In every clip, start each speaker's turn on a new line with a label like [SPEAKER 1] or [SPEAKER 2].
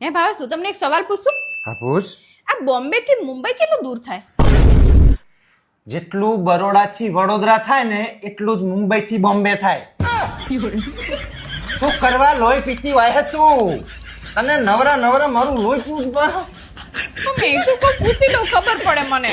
[SPEAKER 1] હે ભાવેશ, હું તમને એક સવાલ પૂછું?
[SPEAKER 2] હા પૂછ.
[SPEAKER 1] આ બોમ્બે થી મુંબઈ કેટલું દૂર થાય?
[SPEAKER 2] જેટલું બરોડા થી વડોદરા થાય ને એટલું જ મુંબઈ થી બોમ્બે થાય. શું કરવા લોહી પીતી વાય તું? તને નવરા નવરા મારું લોહી પૂછ બર.
[SPEAKER 1] મેં તો કોઈ પૂછી લઉં, ખબર પડે મને.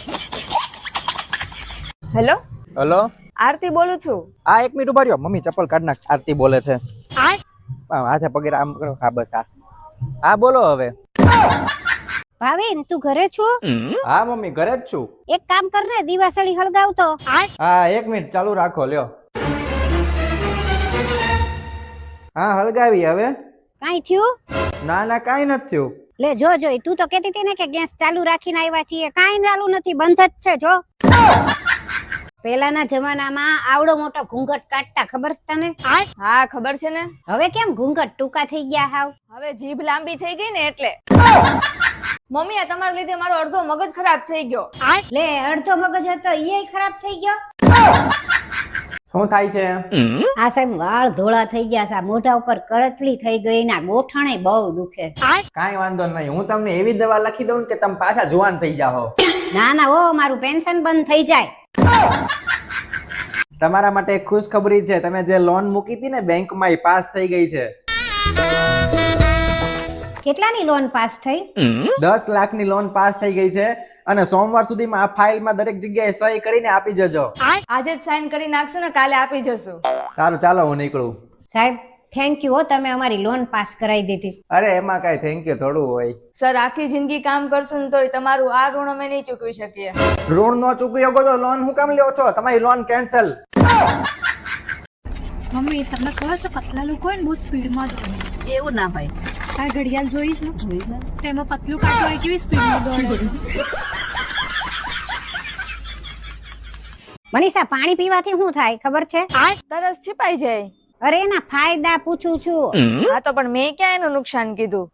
[SPEAKER 1] હેલો,
[SPEAKER 3] હેલો,
[SPEAKER 1] આરતી બોલું છું.
[SPEAKER 3] આ 1 મિનિટ ઉભા રહ્યો. મમ્મી ચપ્પલ કાઢ નાખ. આરતી બોલે છે. હાથે પગે આમ કરો. હા બસ હા બોલો હવે.
[SPEAKER 4] ભાવિન, તું ઘરે છો?
[SPEAKER 3] હા મમ્મી ઘરે જ છું.
[SPEAKER 4] એક કામ કર ને, દીવાસળી હળગાવતો.
[SPEAKER 3] હા 1 મિનિટ ચાલુ રાખો લ્યો. હા હળગાવી હવે.
[SPEAKER 4] કાઈ થયું?
[SPEAKER 3] ના ના કાઈ નથી થયું.
[SPEAKER 4] લે જો જોઈ, તું તો કહેતી હતી ને કે ગેસ ચાલુ રાખીને આવ્યા છીએ. કાઈ ચાલુ નથી, બંધ જ છે. જો પેલાના જમાનામાં આવડો મોટો ઘૂંઘટ કાઢતા, ખબર છે તને?
[SPEAKER 1] હા ખબર છે ને.
[SPEAKER 4] હવે કેમ ઘૂંઘટ ટૂંકા થઈ ગયા હાવ?
[SPEAKER 1] હવે જીભ લાંબી થઈ ગઈ ને એટલે. મમ્મી, આ તમારા લીધે મારો અડધો મગજ ખરાબ થઈ ગયો.
[SPEAKER 4] લે, અડધો મગજ હતો ઈ ખરાબ થઈ ગયો.
[SPEAKER 3] શું થાય છે?
[SPEAKER 4] આ સાહેબ વાળ ધોળા થઈ ગયા છે, મોઢા ઉપર કરચલી થઈ ગઈ, ના ગોઠણે બહુ દુખે.
[SPEAKER 3] કાઈ વાંધો નહીં, હું તમને એવી દવા લખી દઉં કે તમે પાછા જુવાન થઈ જાઓ.
[SPEAKER 4] ના ના, ઓ મારું પેન્શન બંધ થઈ જાય.
[SPEAKER 3] તમારા માટે એક ખુશખબરી છે. તમે જે લોન મૂકી હતી ને બેંકમાં એ પાસ થઈ ગઈ છે.
[SPEAKER 4] કેટલાની લોન પાસ થઈ?
[SPEAKER 3] 10 લાખની લોન પાસ થઈ ગઈ છે અને સોમવાર સુધીમાં આ ફાઇલમાં દરેક જગ્યાએ સહી કરીને આપી જજો.
[SPEAKER 1] આજે જ સાઈન કરી નાખશે ને, કાલે આપી જશું.
[SPEAKER 3] સારું ચાલો હું નીકળું.
[SPEAKER 4] સાહેબ થેન્ક યુ હો, તમે અમારી લોન પાસ કરાવી દીધી.
[SPEAKER 3] અરે એમાં કઈ થેન્ક યુ થોડું હોય.
[SPEAKER 1] સર, આખી જિંદગી કામ કરશું ને તોય તમારું આ ઋણ અમે નહીં ચૂકવી શકીએ.
[SPEAKER 3] ઋણ નો ચૂકવી શકો તો લોન હું કામ લ્યો છો? તમારી લોન કેન્સલ.
[SPEAKER 5] મમ્મી, તમને ખબર છે પતલા લોકો હોય ને બહુ સ્પીડમાં દોડે?
[SPEAKER 1] એવું ના હોય.
[SPEAKER 5] આ ઘડિયાળ જોઈ છે? તેમાં પતલું કાંટો હોય કેવી સ્પીડમાં દોડે.
[SPEAKER 4] મનીષા, પાણી પીવાથી શું થાય ખબર છે?
[SPEAKER 1] તરસ છીપાઈ જાય.
[SPEAKER 4] અરે એના ફાયદા પૂછું છું.
[SPEAKER 1] હા તો પણ મેં ક્યાં એનું નુકસાન કીધું?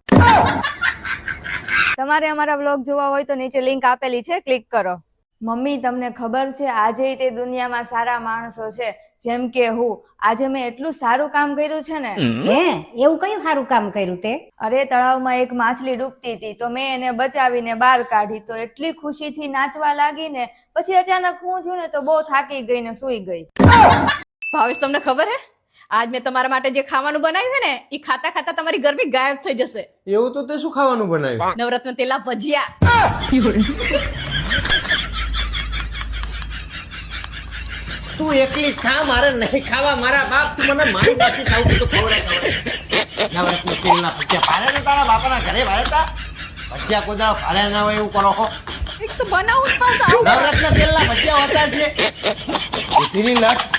[SPEAKER 1] તમારે અમારા વ્લોગ જોવા હોય તો નીચે લિંક આપેલી છે, ક્લિક કરો. મમ્મી, તમને ખબર છે આજે તે દુનિયામાં સારા માણસો છે, જેમ કે હું. આજે મેં એટલું સારું કામ કર્યું છે ને.
[SPEAKER 4] હે, એવું કયું સારું કામ કર્યું તે?
[SPEAKER 1] અરે, તળાવમાં એક માછલી ડૂબતી હતી તો મેં એને બચાવીને બહાર કાઢી તો એટલી ખુશીથી નાચવા લાગી ને, પછી અચાનક હું થયું ને તો બહુ થાકી ગઈ ને સૂઈ ગઈ.
[SPEAKER 6] ભાવેશ, તમને ખબર હે આજ મેં તમારા માટે જે ખાવાનું બનાવ્યું છે ને એ ખાતા ખાતા તમારી ગરમી ગાયબ થઈ જશે.
[SPEAKER 2] એવું તો તે શું ખાવાનું બનાવ્યું?
[SPEAKER 6] નવરત્ન તેલા ભજીયા.
[SPEAKER 2] તું એકલી જ ખા, મારે નહીં ખાવા. મારા બાપ તું મને મારી નાખીશ. આવું તો ખવડાય. નવરત્ન તેલના ભજીયા પાડે ને તારા બાપાના ઘરે ભાડેતા ભજીયા કોઈ દાડો ભાડે ના હોય એવું કરો છો.
[SPEAKER 6] એક તો બનાવું જ પાછા.
[SPEAKER 2] નવરત્ન તેલના ભજીયા હોતા છે. લટ